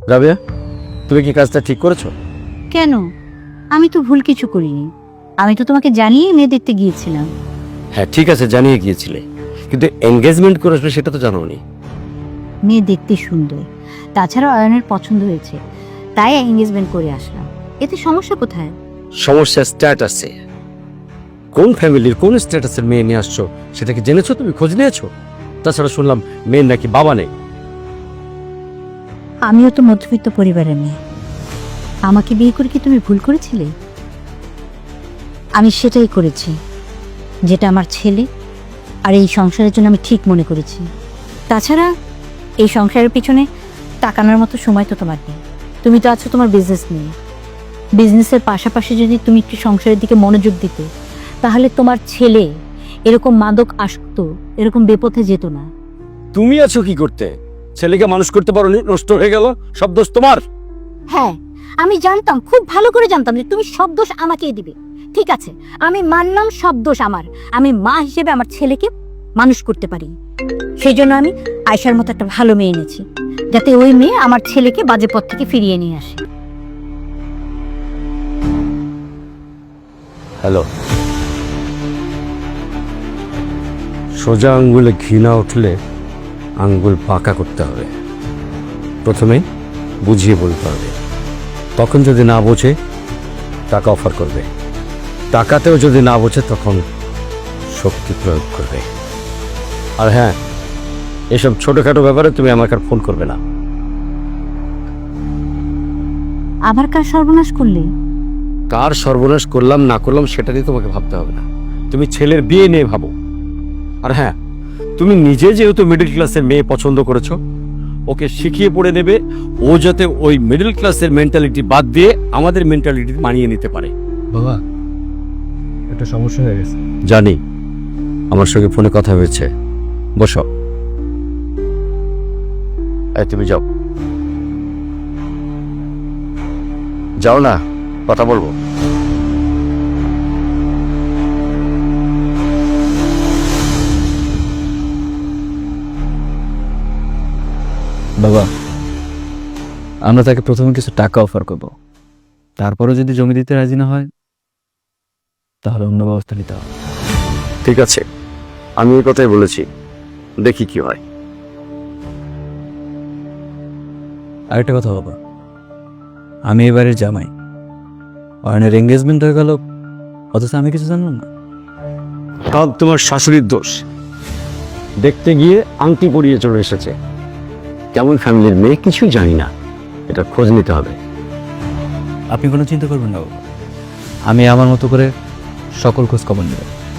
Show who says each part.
Speaker 1: রাবেয়া, তুমি কি কাজটা ঠিক করেছো?
Speaker 2: কেন? আমি তো ভুল কিছু করিনি। আমি তো তোমাকে জানিয়ে মেয়ে দেখতে গিয়েছিলাম।
Speaker 1: হ্যাঁ ঠিক আছে, জানিয়ে গিয়েছিলে, কিন্তু এনগেজমেন্ট করে আসবে সেটা তো জানোনি।
Speaker 2: মেয়ে দেখতে সুন্দর, তাছাড়া অয়নের পছন্দ হয়েছে, তাই এঙ্গেজমেন্ট করে আসলাম। এতে সমস্যা কোথায়?
Speaker 1: সমস্যা স্ট্যাটাসে। কোন ফ্যামিলির কোন স্ট্যাটাসের মেয়ে নিয়ে আসছো সেটা কি জেনেছো? তুমি খোঁজ নিয়েছো? তাছাড়া শুনলাম মেয়ের নাকি বাবা নেই।
Speaker 2: আমিও তো মধ্যবিত্ত পরিবারের মেয়ে। আমাকে বিয়ে করে কি তুমি ভুল করেছিলে? আমি সেটাই করেছি যেটা আমার ছেলে আর এই সংসারের জন্য আমি ঠিক মনে করেছি। তাছাড়া এই সংসারের পিছনে তাকানোর মতো সময় তো তোমার নেই। তুমি তো আছো তোমার বিজনেস নিয়ে। বিজনেসের পাশাপাশি যদি তুমি একটু সংসারের দিকে মনোযোগ দিতে, তাহলে তোমার ছেলে এরকম মাদক আসক্ত, এরকম বেপথে যেত না।
Speaker 1: তুমি আছো কি করতে? ছেলেকে মানুষ করতে পারোনি, নষ্ট হয়ে গেল, সব দোষ তোমার।
Speaker 2: হ্যাঁ, আমি জানতাম, খুব ভালো করে জানতাম যে তুমি সব দোষ আমাকেই দিবে। ঠিক আছে, আমি মানলাম সব দোষ আমার। আমি মা হিসেবে আমার ছেলেকে মানুষ করতে পারি, সেই জন্য আমি আয়শার মতো একটা ভালো মেয়ে এনেছি, যাতে ওই মেয়ে আমার ছেলেকে বাজে পথ থেকে ফিরিয়ে নিয়ে আসে।
Speaker 1: হ্যালো। সোজা আঙ্গুলে ঘৃণা উঠলে আঙ্গুল পাকা করতে হবে। প্রথমে বুঝিয়ে বলতে হবে, তখন যদি না বোঝে টাকা অফার করবে, টাকাতেও যদি না বোঝে তখন শক্তি প্রয়োগ করবে। আর হ্যাঁ, এসব ছোটখাটো ব্যাপারে তুমি আমাকে আর ফোন করবে না।
Speaker 2: আবার কার সর্বনাশ করলে?
Speaker 1: কার সর্বনাশ করলাম না করলাম সেটা নিয়ে তোমাকে ভাবতে হবে না, তুমি ছেলের বিয়ে নিয়ে ভাবো। আর হ্যাঁ, তুমি নিজে যেহেতু মিডল ক্লাসের মেয়ে পছন্দ করেছো, ওকে শিখিয়ে পড়ে দেবে ও যাতে ওই মিডল ক্লাসের মেন্টালিটি বাদ দিয়ে আমাদের মেন্টালিটি মানিয়ে নিতে পারে।
Speaker 3: বাবা, একটা সমস্যা হয়ে গেছে।
Speaker 1: জানি, আমার সঙ্গে ফোনে কথা হয়েছে। বসো। এই তুমি যাও, যাও না, কথা বলবো।
Speaker 3: বাবা, আমরা তাকে প্রথমে কিছু টাকা অফার করব, তারপরে যদি জমি দিতে রাজি না হয় তাহলে অন্য ব্যবস্থা নিতে হবে।
Speaker 1: ঠিক আছে, আমি এই কথাই বলেছি, দেখি কি হয়।
Speaker 3: আরেকটা কথা বাবা, আমি এবারে জামাই, অয়নের এঙ্গেজমেন্ট হয়ে গেল, অথচ আমি কিছু জানলাম না।
Speaker 1: সব তোমার শাশুড়ির দোষ। দেখতে গিয়ে আংটি পরিয়ে চলে এসেছে, কেমন ফ্যামিলির মেয়ে কিছুই জানি না, এটা খোঁজ নিতে হবে।
Speaker 3: আপনি কোনো চিন্তা করবেন না বাবা, আমি আমার মতো করে সকল খোঁজ খবর নেব।